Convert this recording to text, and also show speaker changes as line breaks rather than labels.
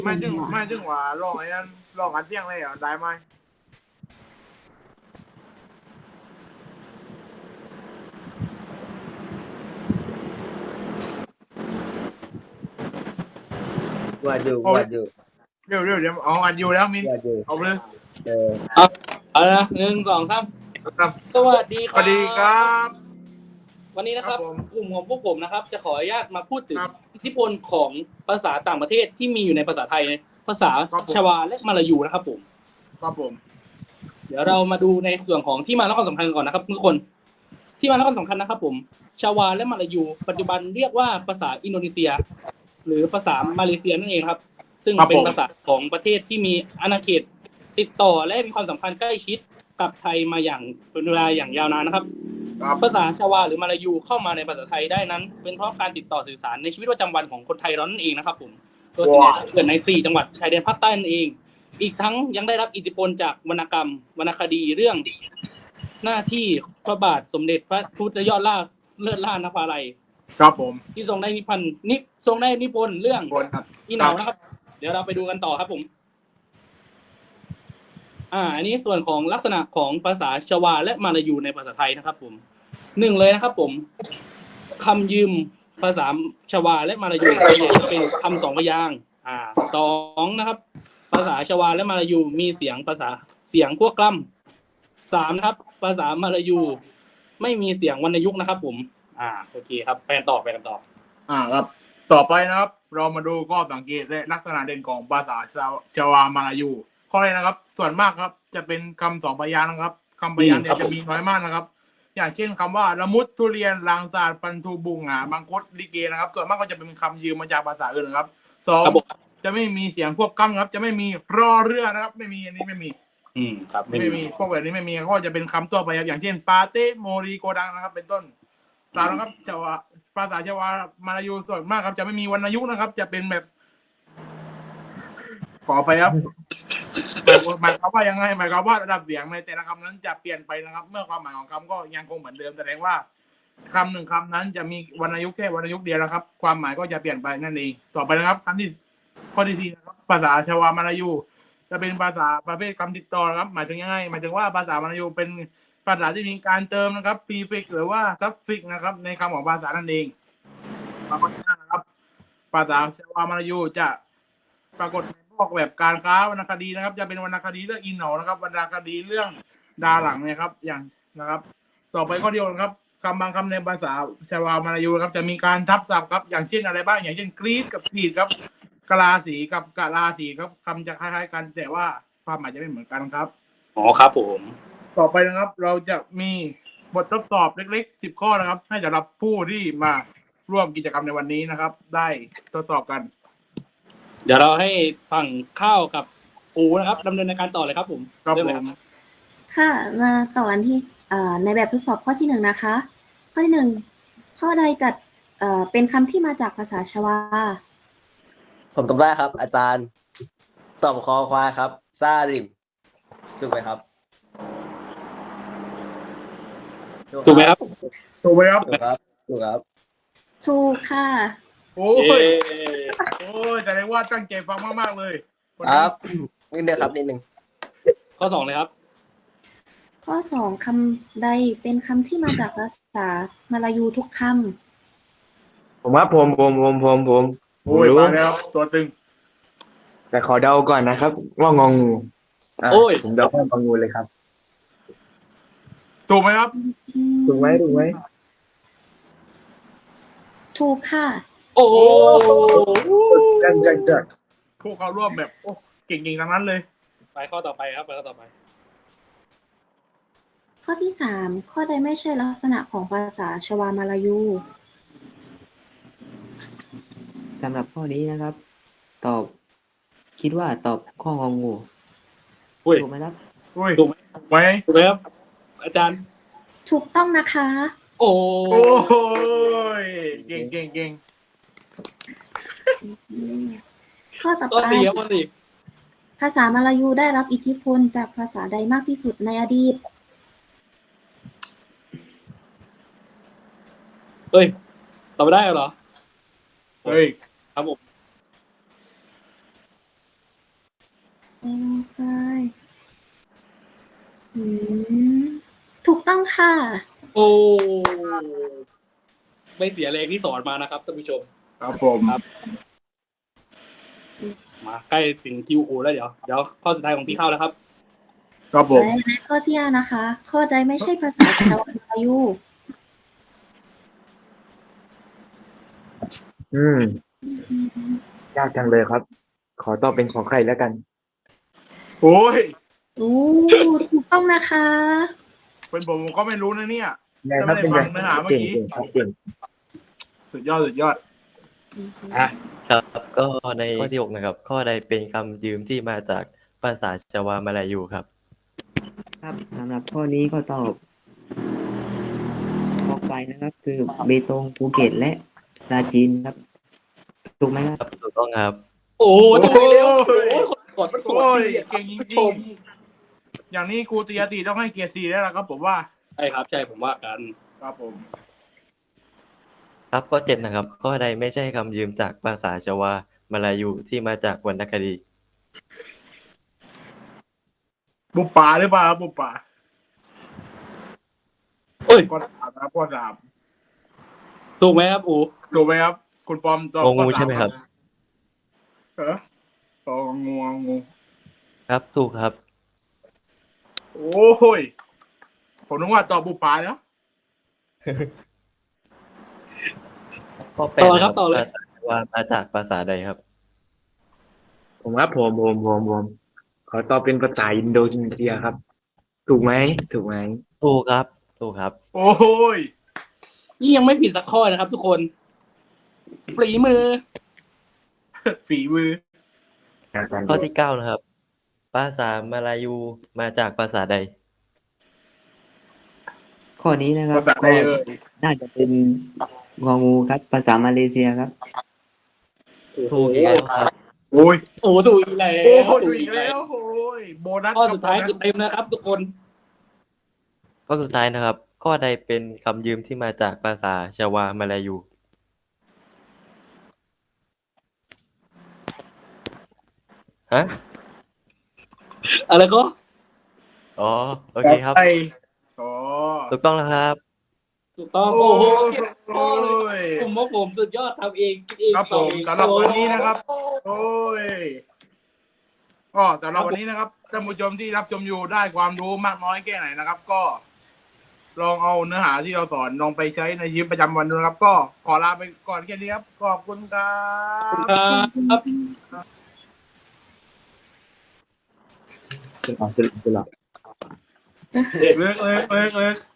ไม่ถึงว่าลองไอ้นั้นลองอันเที่ยงเลยเหรอได้ไหม
วาดอยู่
เอา
วาดอยู่
เดี๋ยวเอาอันอยู่แล้วมิน
วาดอยู่
เอาเลย
เออ
เอาละ1 2 3
ครับ
สวัสดี
สวัสดีครับ
วันนี้นะครับ
ครับผม
กลุ่มของพวกผมนะครับ จะขออนุญาตมาพูดถึง
ครับ
อิทธิพลของภาษาต่างประเทศที่มีอยู่ในภาษาไทยภาษา
ครับผม
ชวาและมาลายูนะครับผม
ครับผม
เดี๋ยวเรามาดูในส่วนของที่มาและความสำคัญก่อนนะครับทุกคนที่มาและความสำคัญนะครับผมชวาและมาลายู ปัจจุบันเรียกว่าภาษาอินโดนีเซีย หรือภาษามาเลเซียนั่นเองครับ ซึ่งเป็นภาษาของประเทศที่มีอาณาเขตติดต่อและมีความสัมพันธ์ใกล้ชิดกับไทยมาอย่างเป็นเวลาอย่างยาวนานนะครับ
ครับ
ภาษาชวาหรือมาลายูเข้ามาในภาษาไทยได้นั้น เป็นเพราะการติดต่อสื่อสารในชีวิตประจำวันของคนไทยเรานั่นเองนะครับผมโดยส่วนใหญ่เกิดใน4จังหวัดชายแดนภาคใต้นั่นเอง อีกทั้งยังได้รับอิทธิพลจากวรรณกรรมวรรณคดีเรื่องหน้าที่พระบาทสมเด็จพระพุทธยอดล่าเลิศล่านภาลัย
ครับผม
ที่ทรงได้นิพนธ์เรื่อง
คนครับ
อีเหนานะครับ เดี๋ยวเราไปดูกันต่อครับผมอันนี้ส่วนของลักษณะของภาษาชวาและมาลายูในภาษาไทยนะครับผม1เลยนะครับผมคำยืมภาษาชวาและมาลายูส่วนใหญ่จะเป็นคำ2พยางค์2นะครับภาษาชวาและมาลายูมีเสียงพวกกล้ำ3นะครับภาษามาลายูไม่มีเสียงวรรณยุกต์นะครับผมโอเคครับไปกันต่อ
ครับต่อไปนะครับ เรามาดูข้อสังเกตและลักษณะเด่นของภาษาชาวามาลายูข้อแรกนะครับ ส่วนมากครับจะเป็นคำ2พยางค์นะครับคำพยางค์เนี่ยจะมีน้อยมากนะครับ อย่างเช่นคำว่าละมุดทุเรียนลางสาดปันทูบุงบางคดลิเกนะครับ ส่วนมากก็จะเป็นคำยืมมาจากภาษาอื่นนะครับ2จะไม่มีเสียงควบกล้ำครับจะไม่มีรอเรือนะครับไม่มีอันนี้ไม่มี
ครับ
ไม่มีพวกแบบนี้ไม่มีก็จะเป็นคำตัวไปครับอย่างเช่นปาเต้โมรีโกดังนะครับ เป็นต้น3นะครับภาษาชาวามาลายูส่วนมากครับจะไม่มีวรรณยุกต์นะครับ จะเป็นแบบขอไปครับหมายความว่ายังไงหมายความว่าระดับเสียงในแต่ละคำนั้นจะเปลี่ยนไปนะครับ เมื่อความหมายของคำก็ยังคงเหมือนเดิมแสดงว่าคำหนึ่งคำนั้นจะมีวรรณยุกต์แค่วรรณยุกต์เดียวนะครับ ความหมายก็จะเปลี่ยนไปนั่นเองต่อไปนะครับคำที่ข้อที่4นะครับภาษาชาวามาลายูจะเป็นภาษาประเภทคำติดต่อนะครับหมายถึงยังไงหมายถึงว่าภาษามาลายูเป็นภาษาที่มีการเติมนะครับ prefix หรือว่า suffix นะครับในคำของภาษานั่นเองข้อที่5นะครับภาษาชาวามาลายูจะปรากฏในพวกแบบการค้าวรรณคดีนะครับ จะเป็นวรรณคดีเรื่องอินเหนานะครับวรรณคดีเรื่องดาหลังนะครับอย่างนะครับ ต่อไปข้อเดียวนะครับคำบางคำในภาษาชาวามาลายูครับจะมีการทับศัพท์ครับอย่างเช่นอะไรบ้างอย่างเช่นกรีดกับกรีดครับกลาสีกับกะลาสีครับคำจะคล้ายๆกันแต่ว่าความหมายจะไม่เหมือนกันครับ
ครับผม
ต่อไปนะครับเราจะมีบททดสอบเล็กๆ10 ข้อนะครับให้สำหรับผู้ที่มาร่วมกิจกรรมในวันนี้นะครับ ได้ทดสอบกัน
เดี๋ยวเราให้ฝั่งข้าวกับปูนะครับดำเนินในการต่อเลยครับผม
ครับผม
ค่ะมาต่อกันที่ในแบบทดสอบข้อที่1นะคะข้อที่1ข้อใดจัดเป็นคำที่มาจากภาษาชวา
ผมตอบได้ครับ อาจารย์ตอบคอควายครับซาริมถูกไหมครับ
ถูกไหมครับ
ถูกไหมครับ
ถูกครับถูกครับ
ถูกค่ะ
โอ้ยแสดงว่าตั้งใจฟังมากๆเลย
ครับนิดนึงครับนิดนึง
ข้อ2เลยครับ
ข้อ2คำใดเป็นคำที่มาจากภาษามาลายูทุกค
ำผมว่าผม
โอ้ยมาแล้วตัวตึง
แต่ขอเดาก่อนนะครับว่างองูผมเดาว่างองูเลยครับ
ถูกไหมครับ
ถูกไหม
ถูกค่ะ
โอ้
จัด
พวกเขาร่วมแบบโอ้เก่งๆทั้งนั้นเลย
ไปข้อต่อไปครับข้อต่อไป
ข้อที่3ข้อใดไม่ใช่ลักษณะของภาษาชวามาลายู
สำหรับข้อนี้นะครับคิดว่าตอบข้ององูถูกไหมครับ
ถูกไหม
ครับอาจารย์
ถูกต้องนะคะ
โอ้ยเก่ง
ข้อต่อไปภาษามาลายูได้รับอิทธิพลจากภาษาใดมากที่สุดในอดีต
ตอบไม่ได้เหรอ
เฮ้ย
ครับผม
ไปอืมถูกต้องค่ะ
โอ้ไม่เสียแรงที่สอนมานะครับท่านผู้ชม
ครับผม
มาใกล้ถึงคิวโอแล้วเดี๋ยวข้อสุดท้ายของพี่เข้าแล้วครับ
ครับผม
และข้อที่5นะคะ ข้อใดไม่ใช่ภาษาชาวมาลายู
ยากจังเลยครับ ขอตอบเป็นขอไข่แล้วกัน
โอ้ย
โอ้ถูกต้องนะคะ
เป็นผมก็ไม่รู้นะเนี่ย
ไงครับเป็นไง
จะไม่ได้ฟังเนื้อหาเมื่อ
เก่ง
กี้
เก่ง
สุดยอดสุดยอด
ครับก็ในข้อที่ 6 นะครับ ข้อใดเป็นคำยืมที่มาจากภาษาจาวามาลายูครับ
ครับสำหรับข้อนี้ก็ตอบข้อไปนะครับ คือเบตงภูเก็ตและปราจีนครับ ถูกไหมครับ
ครับถูกต้องครับ
โอ้ถูกแล้ว
โอ้ย
กดมันสว
โอ้
ย
ยเก่งจริงๆอย่างนี้ครูตียติต้องให้เกียรติ4แล้วล่ะครับผมว่า
ใช่ครับใช่ผมว่ากัน
ครับผม
ครับข้อ 7 นะครับ ข้อใดไม่ใช่คำยืมจากภาษาจาวามาลายูที่มาจากวรรณคดี
บุปผาหรือเปล่าครับบุปผา
โอ้ย
ข้อ 3ครับข้อ
ถูกไหมครับอู
3ถูกไหมครับ คุณปอมตอบ
งองู
ข้อ 3
ใช่ไหมครับ
ต่องงู
ครับถูกครับ
โอ้ยผมนึกว่าตอบบุปผาแล้ว
ข้อ
ต่อ
8 นะ
ค
ค
รั
รั
บบ ต่อเลย
ภาษาจาวามาจากภาษาใดครับ
ผมครับผมขอตอบเป็นภาษาอินโดนีเซียครับ ถูกไหม
ถูกครับ ถูกครับ
โอ้ย
นี่ยังไม่ผิดสักข้อนะครับ ทุกคนฝีมือ
ฝีมือ
อาจารย์
ข้อที่ 9 นะครับ ภาษามาลายูมาจากภาษาใด
ข้อนี้นะครับ
ภาษาใด
ก็
เอ่ย
น่าจะเป็นงองูครับ ภาษามาเลเซียครับ
ถูกอีกแล้วครับ
โอ้ย
โอ้ถูกอีกแล้ว
โอ้ยถูกอีกแล้วโอ้ยโบนัส
ข้อสุดท้าย
รับ
คือเต็มนะครับ ทุกคน
ข้อสุดท้ายนะครับ ข้อใดเป็นคำยืมที่มาจากภาษาจาวามาลายู ฮะ
อะไรก็
อ๋อ โอเคครับ
ไปอ๋อ
ถูกต้องแล้วครับ
ถูกต้องโอ้โหเก็บข้อเลยผมว่าผมสุดยอดทำเองคิดเอง
ครับผม
ตอบเอง
สำหรับวันนี้นะครับ โอ้ยก็สำหรับวันนี้นะครับท่านผู้ชมที่รับชมอยู่ได้ความรู้มากน้อยแค่ไหนนะครับ ก็ลองเอาเนื้อหาที่เราสอนลองไปใช้ในชีวิตประจำวันดูนะครับ ก็ขอลาไปก่อนแค่นี้ครับขอบคุณครับ
ครับ
จะหลับ
เลิก